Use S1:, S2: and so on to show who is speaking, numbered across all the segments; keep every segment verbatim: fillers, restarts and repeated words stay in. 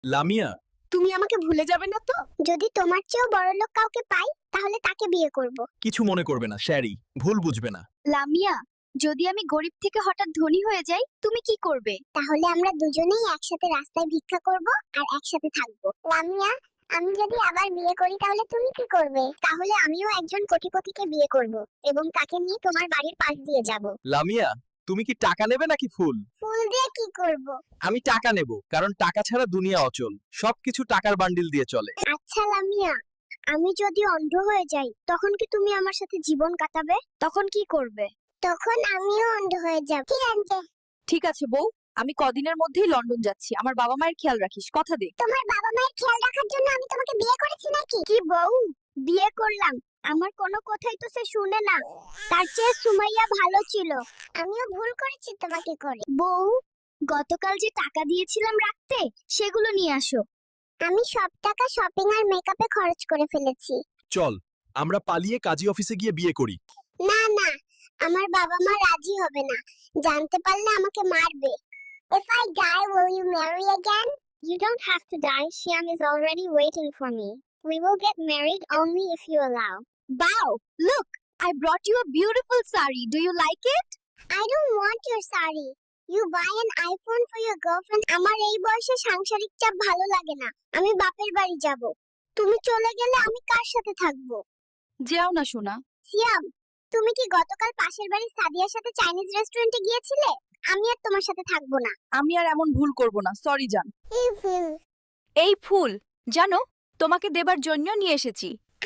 S1: লামিয়া,
S2: তুমি আমাকে ভুলে যাবে না তো? যদি তোমার চেয়েও বড়লোক কাউকে পাই তাহলে তাকে বিয়ে করব।
S1: কিছু মনে করবে না শ্যারি, ভুল বুঝবে না।
S2: লামিয়া, যদি আমি গরিব থেকে হঠাৎ ধনী হয়ে যাই তুমি কি করবে? তাহলে আমরা দুজনেই একসাথে রাস্তায় ভিক্ষা করব আর একসাথে থাকব। লামিয়া, আমি যদি আবার বিয়ে করি তাহলে তুমি কি করবে? তাহলে আমিও একজন কোটিপতিকে বিয়ে করব এবং তাকে নিয়ে তোমার বাড়ির পাশ দিয়ে যাব।
S1: লামিয়া, তুমি কি টাকা নেবে নাকি ফুল?
S2: ফুল দিয়ে কি করব?
S1: আমি টাকা নেব, কারণ টাকা ছাড়া দুনিয়া অচল। সবকিছু টাকার বান্ডিল দিয়ে চলে।
S2: আচ্ছা লামিয়া, আমি যদি অন্ধ হয়ে যাই তখন কি তুমি আমার সাথে জীবন কাটাবে? তখন কি করবে? তখন আমিও অন্ধ হয়ে যাব। ঠিক আছে।
S3: ঠিক আছে বউ, আমি কদিনের মধ্যেই লন্ডন যাচ্ছি। আমার বাবা মায়ের খেয়াল রাখিস, কথা দে।
S2: তোমার বাবা মায়ের খেয়াল রাখার জন্য আমি তোমাকে বিয়ে করেছি নাকি? কি বউ, বিয়ে করলাম, আমার কোনো কথাই তো সে শুনে না। তার চেয়ে সুমাইয়া ভালো ছিল। আমিও ভুল করেছি তোমাকে করে। বউ, গতকাল যে টাকা দিয়েছিলাম রাখতে সেগুলো নিয়ে আসো। আমি সব টাকা শপিং আর মেকআপে খরচ করে ফেলেছি।
S1: চল, আমরা পালিয়ে কাজী অফিসে গিয়ে বিয়ে করি।
S2: না না, আমার বাবা মা রাজি হবে না। জানতে পারলে আমাকে মারবে। If I die, will you marry again? You don't have to die. Shyam is already waiting for me. We will get married only if you allow.
S3: Wow, look, I brought you a beautiful sari. Do you like it?
S2: I don't want your sari. You buy an iPhone for your girlfriend. আমার এই বয়সে সাংসারিক চাপ ভালো লাগে না। আমি বাপের বাড়ি যাব। তুমি চলে গেলে আমি কার সাথে থাকবো?
S3: যেও না সোনা।
S2: সিয়াম, তুমি কি গতকাল পাশের বাড়ির সাদিয়ার সাথে চাইনিজ রেস্টুরেন্টে গিয়েছিলে? আমি আর তোমার সাথে থাকবো না।
S3: আমি আর এমন ভুল করব না, সরি জান।
S2: এই ফুল,
S3: এই ফুল জানো তোমাকে দেবার জন্য নিয়ে এসেছি।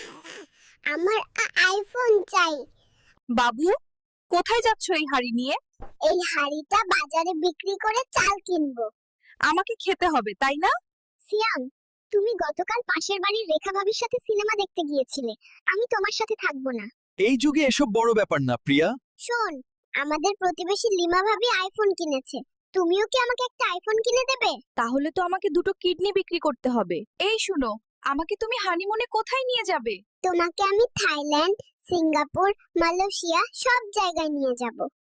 S2: আমার আইফোন চাই।
S3: বাবু, কোথায় যাচ্ছ এই হাড়ি নিয়ে?
S2: এই হাড়িটা বাজারে বিক্রি করে চাল কিনবো।
S3: আমাকে খেতে হবে তাই না?
S2: সিয়াম, তুমি গতকাল পাশের বাড়ির রেখা ভাবির সাথে সিনেমা দেখতে গিয়েছিলে। আমি তোমার সাথে থাকবো না।
S1: এই যুগে এসব বড় ব্যাপার না প্রিয়া।
S2: শোন, আমাদের প্রতিবেশী লিমা ভাবি আইফোন কিনেছে। তুমিও কি আমাকে একটা আইফোন কিনে দেবে?
S3: তাহলে তো আমাকে দুটো কিডনি বিক্রি করতে হবে। এই শুনো, আমাকে তুমি হানিমুনে কোথায় নিয়ে যাবে?
S2: তোমাকে আমি থাইল্যান্ড, সিঙ্গাপুর, মালয়েশিয়া সব জায়গায় নিয়ে যাব।